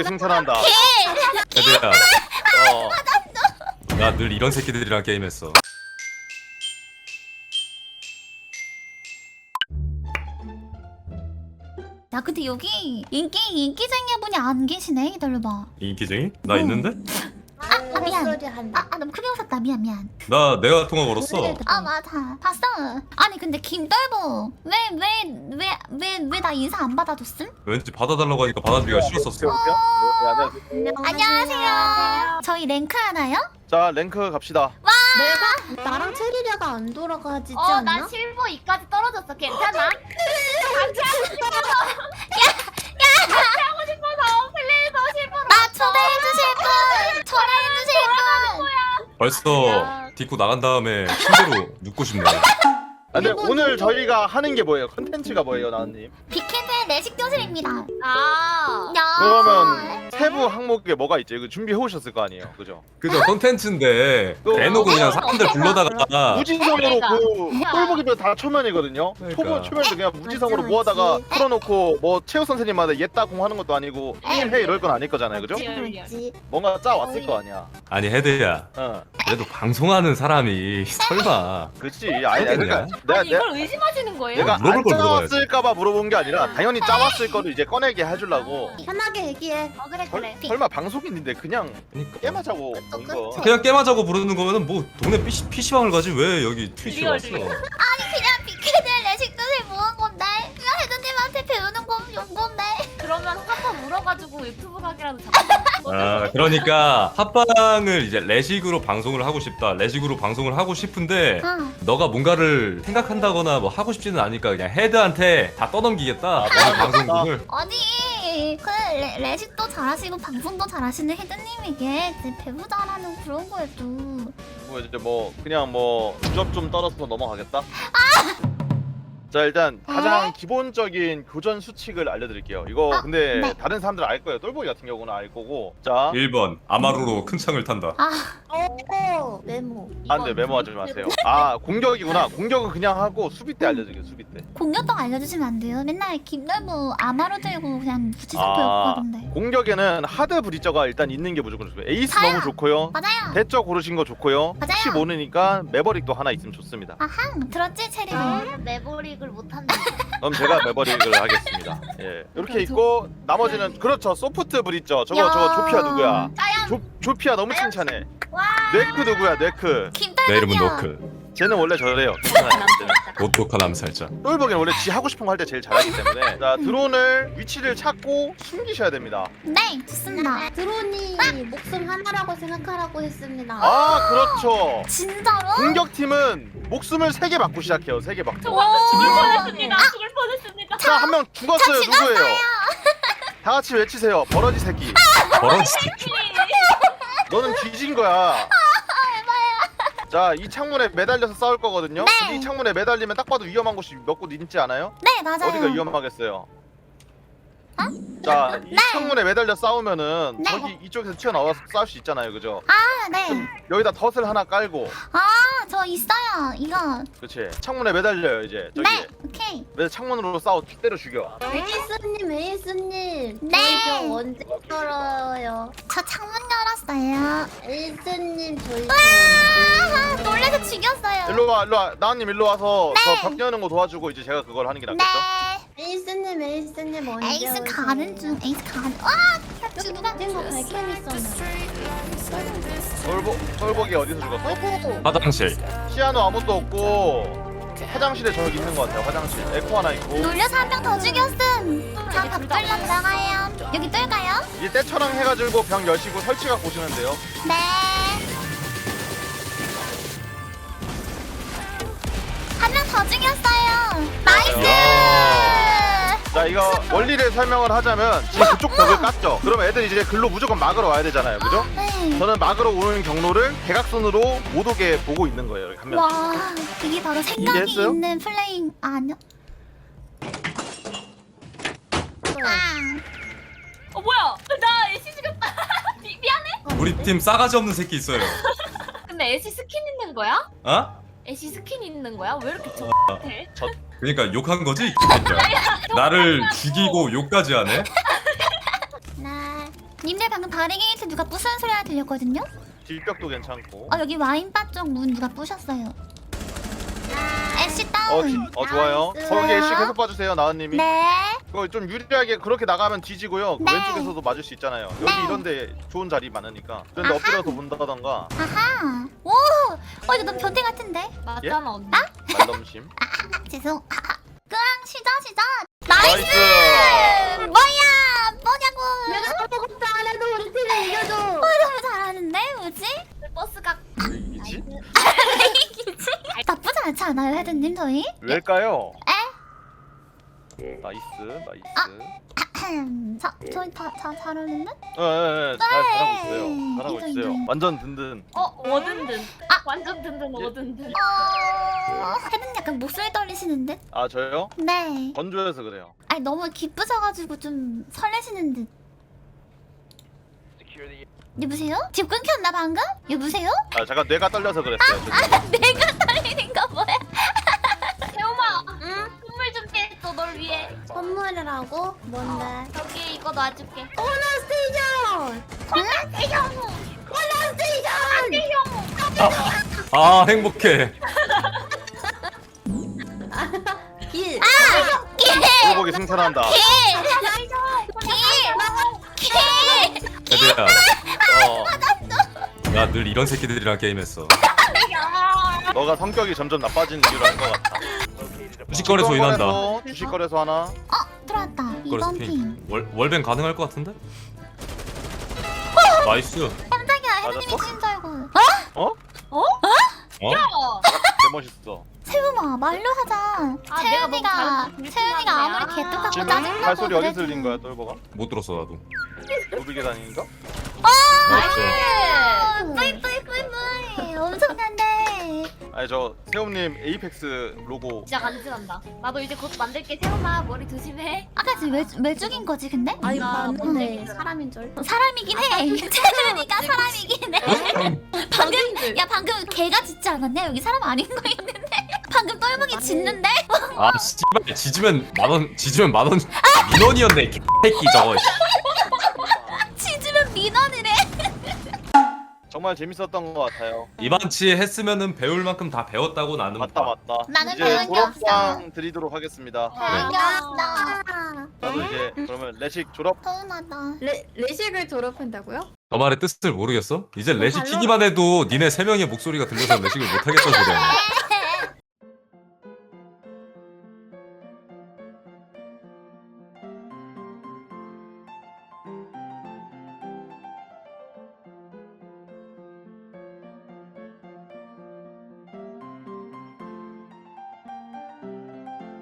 승천한다. 헤드야, 어. 나 늘 이런 새끼들이랑 게임했어. 야 근데 여기 인기쟁이 분이 안 계시네. 기다려봐. 인기쟁이? 나 있는데? 미안. 소리 한다. 너무 크게 웃었다. 미안. 내가 통화 걸었어. 맞아. 봤어. 아니 근데 김떨보 왜 나 인사 안 받아줬음? 왠지 받아달라고 하니까 받아주기가 싫었었어. 네, 안녕하세요. 저희 랭크 하나요? 자 랭크 갑시다. 내가 나랑 체리리아가 안 돌아가지지 않나? 나 실버 2까지 떨어졌어. 괜찮아? 같이 하고 싶어서. 같이 하고 싶어서 플레이에서 실버로. 나 초대해주실 분. 벌써 디코 나간 다음에 침대로 눕고 싶네. 근데 오늘 저희가 하는 게 뭐예요? 컨텐츠가 뭐예요, 나은님? 빅헤드의 내식 교실입니다. 야. 그러면 세부 항목에 뭐가 있죠? 이거 준비해 오셨을 거 아니에요, 그죠? 그죠, 컨텐츠인데 대놓고 그냥 사람들 불러다가 무지성으로 그러니까. 그 똘보기별 다 초면이거든요. 그러니까. 초면도 그냥 무지성으로 맞지, 모아다가 맞지. 풀어놓고 뭐 체육 선생님마다 옛다 공하는 것도 아니고 게임해 이럴 건 아닐 거잖아요, 그죠? 그렇지. 뭔가 짜 왔을 거 아니야. 아니 헤드야, 그래도 방송하는 사람이 설마 그렇지. 아니 그러니까 아니 이걸 의심하시는 거예요? 내가 물어볼 안 걸 물어봐야지. 짜왔을까봐 물어본 게 아니라 당연히 짜왔을 거를 이제 꺼내게 해주려고. 편하게 얘기해. 그래. 설마 방송인인데 그냥 그러니까. 게임하자고 온 거. 그냥 게임하자고 부르는 거면은 뭐 동네 PC방을 가지 왜 여기 트위치에 왔어? 리얼. 그냥 빅헤드의 내식 교실 모은 건데. 그냥 헤드님한테 배우는 거 온 건데. 그러면 한번 물어가지고 유튜브 가기라도 잡자. 아, 그러니까 합방을 이제 레식으로 방송을 하고 싶다. 레식으로 방송을 하고 싶은데 너가 뭔가를 생각한다거나 뭐 하고 싶지는 않으니까 그냥 헤드한테 다 떠넘기겠다. 너의 방송국을. 아니 그 레식도 잘하시고 방송도 잘하시는 헤드님에게 이제 배우자라는 그런 거에도. 뭐 이제 뭐 그냥 뭐 주접 좀 떨어서 넘어가겠다. 자 일단 가장 기본적인 교전 수칙을 알려드릴게요. 이거 근데 네. 다른 사람들 알 거예요. 똘보기 같은 경우는 알 거고. 자 1번 아마루로 큰 창을 탄다. 메모. 안돼 메모하지 마세요. 아 공격이구나. 공격은 그냥 하고 수비 때 알려드릴게요. 수비 때. 공격도 알려주시면 안 돼요? 맨날 김널무 아마로 들고 그냥 무지성 배웠거든데. 공격에는 하드 브리저가 일단 있는 게 무조건 좋고요. 에이스 저요. 너무 좋고요. 맞아요. 대처 고르신 거 좋고요. 맞아요. 혹시 모르니까 매버릭도 하나 있으면 좋습니다. 아하 들었지 체리도. 매보릭을 못한다. 그럼 제가 매버릭을 하겠습니다. 예, 이렇게 있고 나머지는 그렇죠. 소프트 브리저 저거 조피아 누구야? 조피아 너무 칭찬해. 네크 누구야? 네크. 내 이름은 김떨보요. 노크. 쟤는 원래 저래요. 괜찮아요. 오똑한 암살자. 똘보기는 원래 지 하고 싶은 거 할 때 제일 잘하기 때문에 자 드론을 위치를 찾고 숨기셔야 됩니다. 네 좋습니다. 드론이 목숨 하나라고 생각하라고 했습니다. 아 그렇죠. 진짜로? 공격팀은 목숨을 3개 받고 시작해요. 3개 받고. 죽을 뻔했습니다. 죽을 뻔했습니다. 자 한 명 죽었어요. 누구예요? 다 같이 외치세요. 버러지 새끼. 버러지. 너는 뒤진 거야. 자, 이 창문에 매달려서 싸울 거거든요. 네. 근데 이 창문에 매달리면 딱 봐도 위험한 곳이 몇 곳 있지 않아요? 네 맞아요. 어디가 위험하겠어요? 자, 이 네. 창문에 매달려 싸우면은 네. 저기 이쪽에서 튀어나와서 싸울 수 있잖아요, 그죠? 아 네. 여기다 덫을 하나 깔고, 저 있어요. 이거. 그렇지? 창문에 매달려요 이제 저기. 네 오케이. 매달 창문으로 때려 죽여. 에이스님. 네. 저희 병 언제 열어요? 저 창문 열었어요. 에이스님 저희 아 놀래서 죽였어요. 일로 와, 나은님 일로 와서 네. 저 벽 여는 거 도와주고 이제 제가 그걸 하는 게 낫겠죠? 네. 에이스님 언제 에이스 오세요? 가는 중. 에이스 가는. 와 죽으면 거 발캠 있었나? 똘보기 어디서 죽었어? 어이구. 화장실. 피아노 아무것도 없고 화장실에 저기 있는 것 같아요. 화장실 에코 하나 있고. 놀려서 한 명 더 죽였음. 다 밥들러 들어가요. 여기 뜰까요? 이제 때처럼 해가지고 병 여시고 설치가 보시면 돼요. 네. 한 명 더 죽였어요. 나이스. 자 이거 원리를 설명을 하자면 지금 그쪽 벽을 깠죠. 그러면 애들 이제 글로 무조건 막으러 와야 되잖아요, 그죠? 네. 저는 막으러 오는 경로를 대각선으로 못 오게 보고 있는 거예요, 이렇게 한 명. 와 이게 바로 생각이 이해했어요? 있는 플레이 아니요? 뭐야? 나 애쉬 죽였다. 미안해. 우리 팀 싸가지 없는 새끼 있어요. 근데 애쉬 스킨 있는 거야? 어? 애쉬 스킨 있는 거야? 왜 이렇게 족같해? 그러니까 욕한 거지? 그러니까. 나를 죽이고 욕까지 하네? 하나 님들 방금 바리게이트 누가 부수는 소리가 들렸거든요? 딜벽도 괜찮고. 여기 와인바 쪽 문 누가 부셨어요. 애쉬 다운. 좋아요. 나이스. 거기 애쉬 계속 봐주세요, 나은님이. 네. 그거 좀 유리하게 그렇게 나가면 뒤지고요. 그 네. 왼쪽에서도 맞을 수 있잖아요. 여기 네. 이런데 좋은 자리 많으니까. 그런데 아하. 엎드려서 문다던가. 아하. 오. 이거 너무 변태 같은데? 맞잖아 언니. 말넘심. 죄송. 끄랑 시작. 나이스. 뭐냐고. 내가 아무것도 안 해도 우리 팀이 이겨줘. 너무 잘하는데 뭐지? 버스가 이기지? 나쁘지 않지 않아요, 헤드님 저희? 왜일까요? 에? 나이스. 저희 다 잘하는데? 잘하고 있어요. 네. 잘하고 인정, 있어요. 인정. 완전 든든. 뭐든든. 아. 완전 든든 뭐든든. 헤드님 약간 목소리 떨리시는 듯? 아 저요? 네. 건조해서 그래요. 아니 너무 기쁘셔가지고 좀 설레시는 듯. 여보세요? 집 끊겼나 방금? 여보세요? 아 잠깐 뇌가 떨려서 그랬어요. 내가 떨리는 거 뭐야? 태우마. 응? 선물 줄게 또 널 위해. 선물을 하고 뭔데? 여기 이거 놔줄게. 코너 스테이션. 아 행복해. 길. 꿀보기 생산한다. 헤드야. 어, 나 늘 이런 새끼들이랑 게임했어. 너가 성격이 점점 나빠지는 이유를 알 것 같아. 주식거래소 인한다. 주식거래소 하나. 들어왔다. 거래소 2번 핑. 핑. 월뱅 가능할 것 같은데? 나이스. 깜짝이야. 헤드님이 맞았어? 찍은 줄 알고. 어? 어? 개멋있어. 세우마 말로 하자. 내가 너무 채은이가 잘못 채은이가 아무리 불신하네. 개똑같고 지금 짜증나고 발소리 어디서 그래도. 들린 거야, 똘보가? 못 들었어 나도. 노비 계단인가? 나이스. 뿌이뿌이뿌이뿌이 엄청난데. 아니 저 세움님 에이펙스 로고. 진짜 간지난다. 나도 이제 곧 만들게. 태우마 머리 조심해. 아까 지금 왜 죽인 거지 근데? 아니 나 봤는데 사람인 줄. 사람이긴 해. 채은이가 사람이긴 해. 방금 야 방금 개가 짖지 않았냐? 여기 사람 아닌 거 있는데. 방금 똘목이 짖는데? 아 씨발 짖으면 만원 민원이었네 개새끼 저거. 짖으면 민원이래. 정말 재밌었던 것 같아요. 이반치 했으면은 배울 만큼 다 배웠다고 나는 맞다. 나는 이제 배운 게 없어. 졸업상 드리도록 하겠습니다. 안겼어. 나도 이제 그러면 레식 졸업. 서운하다. 레식을 졸업한다고요? 저 말의 뜻을 모르겠어? 이제 레시 키기만 해도 니네 세 명의 목소리가 들려서 레식을 못 하겠다 소리 아니야?